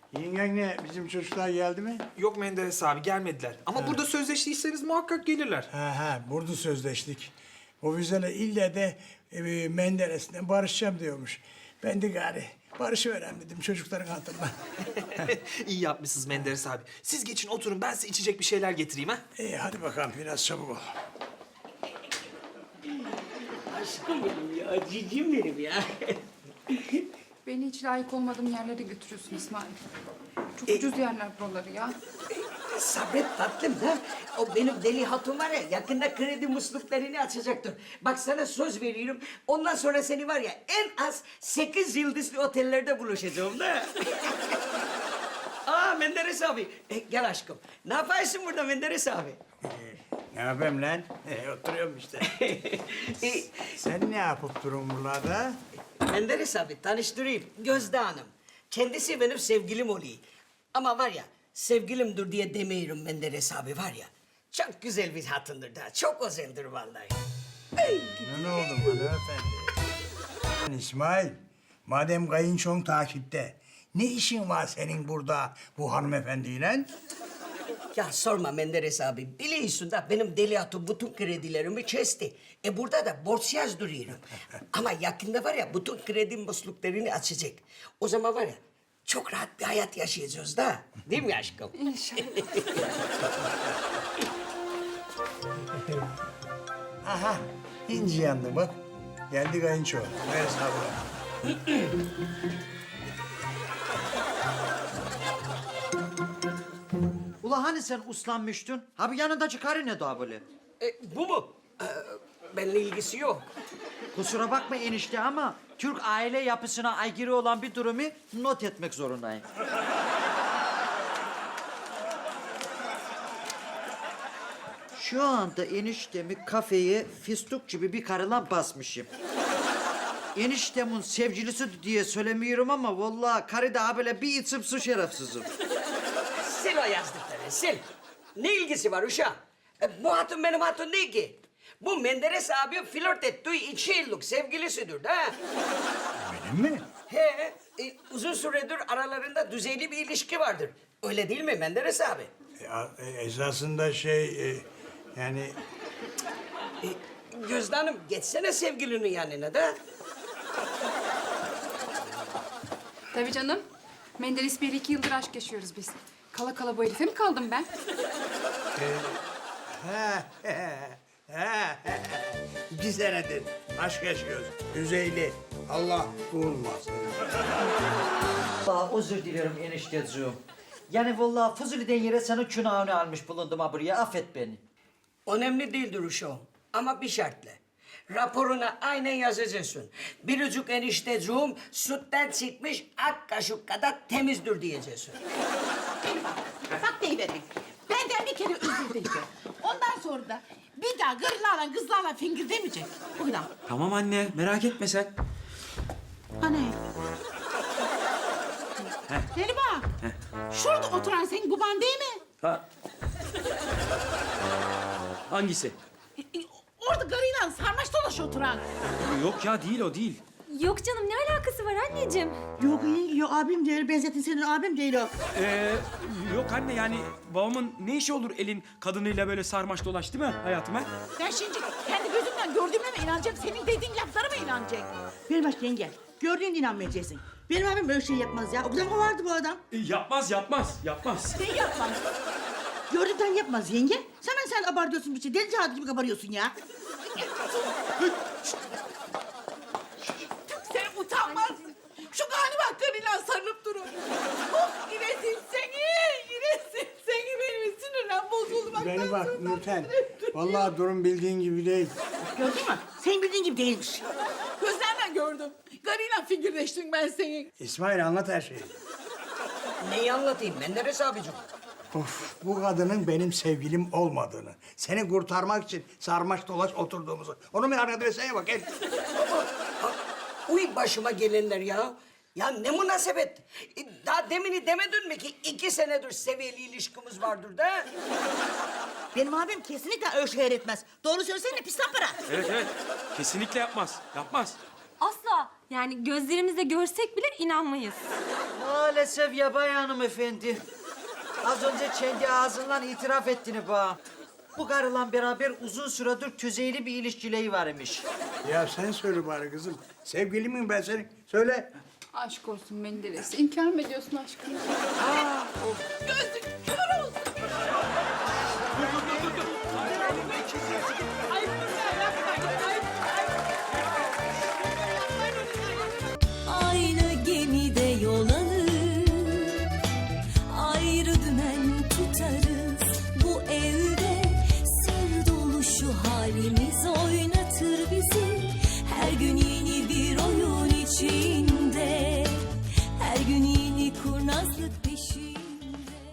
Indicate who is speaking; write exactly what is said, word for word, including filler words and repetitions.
Speaker 1: Yengen ne? Bizim çocuklar geldi mi?
Speaker 2: Yok Menderes abi gelmediler. Ama burada sözleştiyseniz muhakkak gelirler.
Speaker 1: Ha ha, burada sözleştik. O Füze'yle ille de e, Menderes'le barışacağım diyormuş. Ben de gari barışıverem dedim çocukların hatırına.
Speaker 2: İyi yapmışsınız Menderes abi. Siz geçin oturun ben size içecek bir şeyler getireyim ha.
Speaker 1: İyi hadi bakalım biraz çabuk ol.
Speaker 3: Aşkım benim ya, cicim benim ya.
Speaker 4: Beni hiç layık olmadığım yerlere götürüyorsun İsmail. Çok ucuz yerler buraları ya.
Speaker 3: Sabret tatlım da, o benim deli hatun var ya, yakında kredi musluklarını açacaktır. Bak sana söz veriyorum, ondan sonra seni var ya, en az sekiz yıldızlı otellerde buluşacağım da. Aa Menderes abi, e, gel aşkım. Ne yapıyorsun burada Menderes abi?
Speaker 1: Ne yapayım lan? E, oturuyorum işte.
Speaker 3: e,
Speaker 1: Sen ne yapıp durun buralarda?
Speaker 3: Menderes abi tanıştırayım. Gözde Hanım. Kendisi benim sevgilim oluyor. Ama var ya sevgilimdir diye demiyorum Menderes abi var ya. Çok güzel bir hatundur da. Çok özeldir vallahi.
Speaker 1: Ne, ne oldu hanımefendi? Lan İsmail, madem kayınçon takipte, ne işin var senin burada bu hanımefendiyle?
Speaker 3: Ya sorma Menderes abi. Biliyorsun da benim deli hatun bütün kredilerimi kesti. E burada da borçsuz duruyorum. Ama yakında var ya bütün kredi musluklarını açacak. O zaman var ya çok rahat bir hayat yaşayacağız da. Değil mi aşkım?
Speaker 4: İnşallah.
Speaker 1: Aha, inci yandı bak. Geldi kayınço. Ver sabır.
Speaker 5: Ula hani sen uslanmıştın? Ha bir yanındaki karı ne daha böyle?
Speaker 3: E, bu mu? Ee, benimle ilgisi yok.
Speaker 5: Kusura bakma enişte ama Türk aile yapısına aykırı olan bir durumu not etmek zorundayım. Şu anda eniştemi kafeye fistuk gibi bir karılan basmışım. Eniştemin sevgilisi diye söylemiyorum ama vallahi karı daha böyle bir içim su şerefsizim.
Speaker 3: Sil o yazdıkları, sil. Ne ilgisi var uşağım? E, bu hatun benim hatun değil ki. Bu Menderes abi flört ettiği iki yıllık sevgilisidir de. ha.
Speaker 1: Benim mi?
Speaker 3: He, e, uzun süredir aralarında düzeyli bir ilişki vardır. Öyle değil mi Menderes abi?
Speaker 1: Ya, e, esasında şey, e, yani...
Speaker 3: E, Gözde Hanım, geçsene sevgilinin yanına da.
Speaker 4: Tabii canım. Menderes Bey'le iki yıldır aşk yaşıyoruz biz. Kala kala bu herife mi kaldım ben?
Speaker 1: Ha, he, he, he. İki senedir aşk yaşıyoruz. Düzeyli. Allah bulmasın.
Speaker 5: Vallahi özür dilerim enişteciğim. Yani vallahi Fuzuli'den yere senin günahını almış bulundum ha buraya. Affet beni.
Speaker 3: Önemli değildir uşağım. Ama bir şartla. Raporuna aynen yazacaksın. Biricik enişteciğim sütten çıkmış ak kaşık kadar temizdir diyeceksin.
Speaker 6: Bak deyiverin. Benden bir kere özür dileyecek. Ondan sonra da bir daha gırlarla kızlarla fingir demeyecek. O kadar.
Speaker 2: Tamam anne merak etme sen.
Speaker 6: Hani? Deli bak. Şurada oturan senin baban değil mi?
Speaker 7: Ha. Hangisi?
Speaker 6: E, e, Orada garıyla sarmaş dolaş oturan.
Speaker 7: Yok ya değil o değil.
Speaker 8: Yok canım, ne alakası var anneciğim?
Speaker 6: Yok iyi, yok abim değil. Benzetin senin abim değil o.
Speaker 7: Ee, yok anne yani babamın ne işi olur elin kadınıyla böyle sarmaş dolaş değil mi hayatım ha?
Speaker 6: Ben şimdi kendi gözümle gördüğüme mi inanacak, senin dediğin laflara mı inanacak? Benim bak yenge, gördüğün inanmayacaksın. Benim abim böyle şey yapmaz ya. O kadar mı vardı bu adam?
Speaker 7: E, yapmaz yapmaz yapmaz.
Speaker 6: Sen yapmaz. Gördükten yapmaz yenge. Sen sen abartıyorsun bir şey. Deli cadı gibi kabarıyorsun ya. Sen utanmaz. Şu galiba hakkıyla sarılıp durun. Of iresin seni, iresin seni. Benim sinirlen bozuldu. Bak,
Speaker 1: Beni bak
Speaker 6: tansiyon
Speaker 1: Nurten.
Speaker 6: tuttu.
Speaker 1: Vallahi durum bildiğin gibi değil.
Speaker 6: Gördün mü? Senin bildiğin gibi değilmiş. Gözlerle gördüm. Garıyla figürleştim ben senin.
Speaker 1: İsmail anlat her şeyi.
Speaker 3: Neyi anlatayım Menderes abicim?
Speaker 1: Of, bu kadının benim sevgilim olmadığını, seni kurtarmak için sarmaş dolaş oturduğumuzu. Onu bir adreseye bak. El.
Speaker 3: Uy başıma gelenler ya. Ya ne münasebet. E, Daha demini demedin mi ki iki senedir seviyeli ilişkimiz vardır da?
Speaker 6: Benim abim kesinlikle öyle şeyler etmez. Doğru söylesene pis lan para.
Speaker 7: Evet evet kesinlikle yapmaz yapmaz.
Speaker 8: Asla. Yani gözlerimizle görsek bile inanmayız.
Speaker 5: Maalesef yabay hanımefendi. Az önce kendi ağzından itiraf ettiğini bana. Bu karıyla beraber uzun süredir tüzeyli bir ilişkileri varmış.
Speaker 1: Ya sen söyle bari kızım. Sevgili miyim ben senin? Söyle.
Speaker 4: Aşk olsun Menderes. İnkar mı ediyorsun aşkını?
Speaker 6: Gözün kör olsun.